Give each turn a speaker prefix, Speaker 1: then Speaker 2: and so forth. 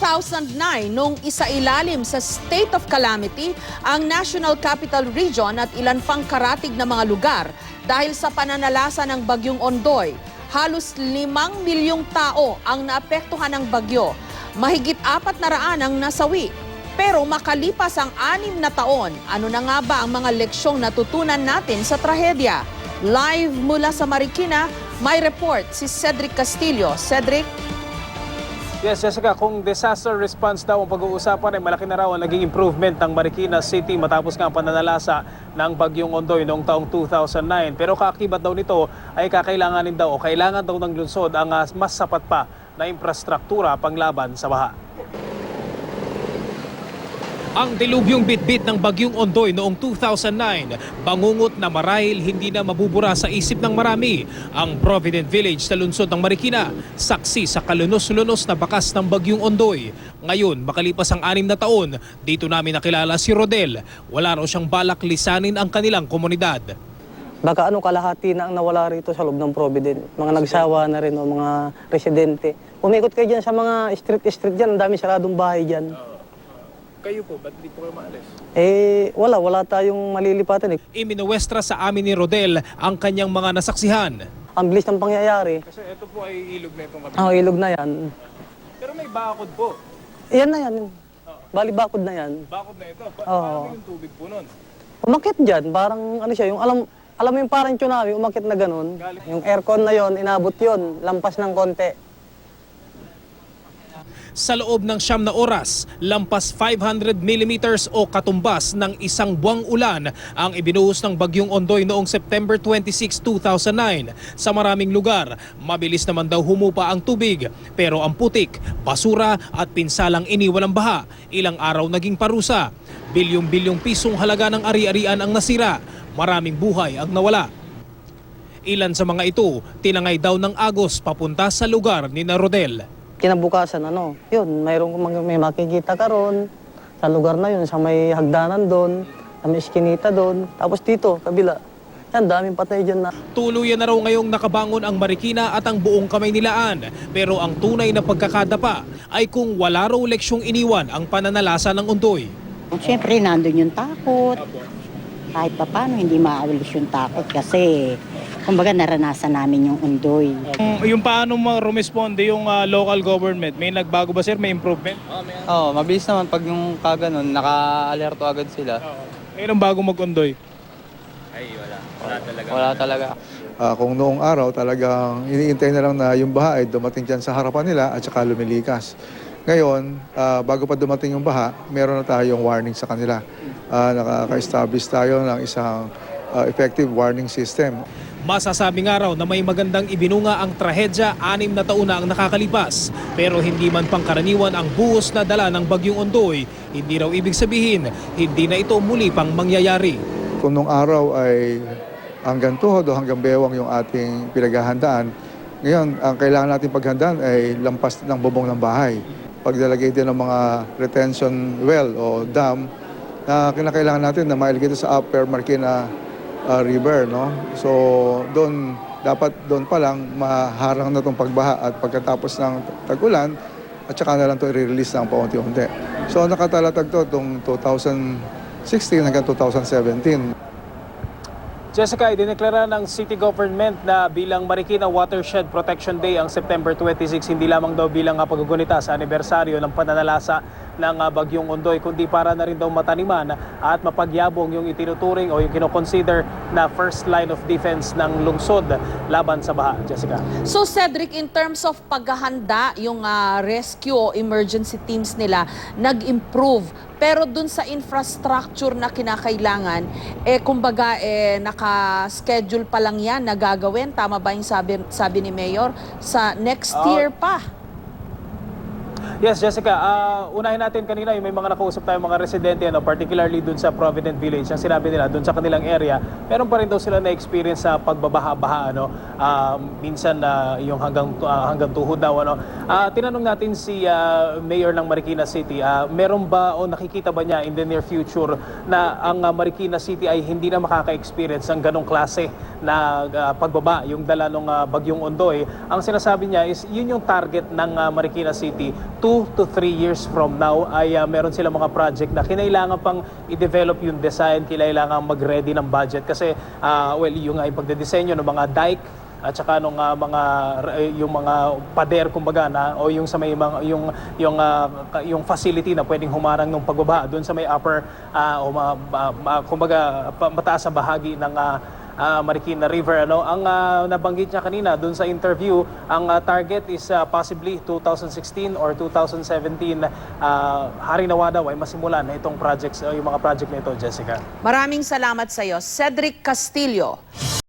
Speaker 1: 2009 nung isailalim sa state of calamity ang National Capital Region at ilan pang karatig na mga lugar dahil sa pananalasa ng Bagyong Ondoy. Halos 5 milyong tao ang naapektuhan ng bagyo. Mahigit 400 ang nasawi. Pero makalipas ang 6 na taon, ano na nga ba ang mga leksyong natutunan natin sa trahedya? Live mula sa Marikina, may report si Cedric Castillo. Cedric?
Speaker 2: Yes, Jessica, kung disaster response daw ang pag-uusapan ay malaki na raw ang naging improvement ng Marikina City matapos nga ang pananalasa ng Bagyong Ondoy noong taong 2009. Pero kaakibat daw nito ay kakailanganin daw o kailangan daw ng lungsod ang mas sapat pa na infrastruktura panglaban sa baha. Ang dilubyong bitbit ng Bagyong Ondoy noong 2009, bangungot na marahil hindi na mabubura sa isip ng marami. Ang Provident Village sa lungsod ng Marikina, saksi sa kalunos-lunos na bakas ng Bagyong Ondoy. Ngayon, makalipas ang 6 na taon, dito namin nakilala si Rodel. Wala raw siyang balak lisanin ang kanilang komunidad.
Speaker 3: Baka kalahati na ang nawala rito sa loob ng Provident. Mga nagsawa na rin o mga residente. Umikot kayo dyan sa mga street dyan, ang dami saradong bahay dyan.
Speaker 2: Kayo po, ba't hindi po kayo maalis?
Speaker 3: Wala tayong malilipatan eh.
Speaker 2: Iminuwestra sa amin ni Rodel ang kanyang mga nasaksihan.
Speaker 3: Ang bilis ng pangyayari.
Speaker 2: Kasi ito po ay ilog na itong kabila.
Speaker 3: Ilog na yan.
Speaker 2: Pero may bakod po.
Speaker 3: Yan na yan. Bali bakod na yan.
Speaker 2: Bakod na ito. Paano yung tubig po nun?
Speaker 3: Umakit dyan, parang ano siya, yung alam mo yung parang tsunami, umakit na ganun. Yung aircon na yon, inabot yon, lampas ng konti.
Speaker 2: Sa loob ng 9 na oras, lampas 500 millimeters o katumbas ng isang buwang ulan ang ibinuhos ng Bagyong Ondoy noong September 26, 2009. Sa maraming lugar, mabilis naman daw humupa ang tubig. Pero ang putik, basura at pinsalang iniwan ng baha, ilang araw naging parusa. Bilyong-bilyong pisong halaga ng ari-arian ang nasira. Maraming buhay ang nawala. Ilan sa mga ito, tinangay daw ng agos papunta sa lugar ni Rodel.
Speaker 3: Kinabukasan, yun, may makikita ka ron sa lugar na yun, sa may hagdanan doon, sa may iskinita doon. Tapos dito, kabila, yan, daming patay dyan na.
Speaker 2: Tuluyan na raw ngayong nakabangon ang Marikina at ang buong Kamaynilaan. Pero ang tunay na pagkakadapa ay kung wala raw leksyong iniwan ang pananalasa ng Ondoy.
Speaker 4: Siyempre, nandun yung takot. Kahit pa paano, hindi maawalis yung takot kasi kumbaga naranasan namin yung Ondoy.
Speaker 2: Yung paano rumisponde yung local government, may nagbago ba sir? May improvement?
Speaker 5: Mabilis naman pag yung kaganon, naka-alerto agad sila.
Speaker 2: Ngayon ang bago mag-Ondoy?
Speaker 5: Wala talaga.
Speaker 6: Kung noong araw talagang iniintay na lang na yung baha ay dumating dyan sa harapan nila at saka lumilikas. Ngayon, bago pa dumating yung baha, meron na tayong warning sa kanila. Nakaka-establish tayo ng isang effective warning system.
Speaker 2: Masasabi nga raw na may magandang ibinunga ang trahedya 6 na taon na ang nakakalipas. Pero hindi man pangkaraniwan ang buhos na dala ng Bagyong Ondoy, hindi raw ibig sabihin, hindi na ito muli pang mangyayari.
Speaker 6: Kung nung araw ay hanggang tuhod o hanggang bewang yung ating pinaghahandaan, ngayon ang kailangan natin paghandaan ay lampas ng bubong ng bahay. Paglalagay din ng mga retention well o dam na kinakailangan natin na mailagay sa Upper Marikina River, no? So dapat doon pa lang maharang na itong pagbaha at pagkatapos ng tag-ulan at saka na lang ito i-release ng paunti-unti. So nakatalatag to itong 2016 hanggang 2017.
Speaker 2: Jessica, idineklara ng city government na bilang Marikina Watershed Protection Day ang September 26, hindi lamang daw bilang paggugunita sa anibersaryo ng pananalasa ng Bagyong Ondoy, kundi para na rin daw mataniman at mapagyabong yung itinuturing o yung kinoconsider na first line of defense ng lungsod laban sa baha. Jessica.
Speaker 1: So Cedric, in terms of paghahanda, yung rescue o emergency teams nila nag-improve. Pero dun sa infrastructure na kinakailangan, kumbaga naka-schedule pa lang yan na gagawin. Tama ba yung sabi ni Mayor? Sa next year pa.
Speaker 2: Yes, Jessica. Unahin natin kanina yung may mga nakausap tayong mga residente, particularly dun sa Provident Village. Ang sinabi nila, dun sa kanilang area, meron pa rin daw sila na-experience sa pagbabaha-baha. Minsan yung hanggang tuhod daw. Tinanong natin si Mayor ng Marikina City, meron ba o nakikita ba niya in the near future na ang Marikina City ay hindi na makaka-experience ng ganong klase na pagbaba, yung dala ng Bagyong Ondoy? Ang sinasabi niya is yun yung target ng Marikina City 2 to 3 years from now ay meron silang mga project na kinailangan pang i-develop yung design, kinailangan mag-ready ng budget kasi yung pagdedesenyo ng mga dike at saka nung yung mga pader kumbaga na o yung sa may mga yung facility na pwedeng humarang ng pagbaba doon sa may upper kumbaga mataas na bahagi ng Marikina River. Ang nabanggit niya kanina doon sa interview, ang target is possibly 2016 or 2017. Hari nawa daw ay masimulan na itong projects, yung mga project na ito, Jessica.
Speaker 1: Maraming salamat sa iyo, Cedric Castillo.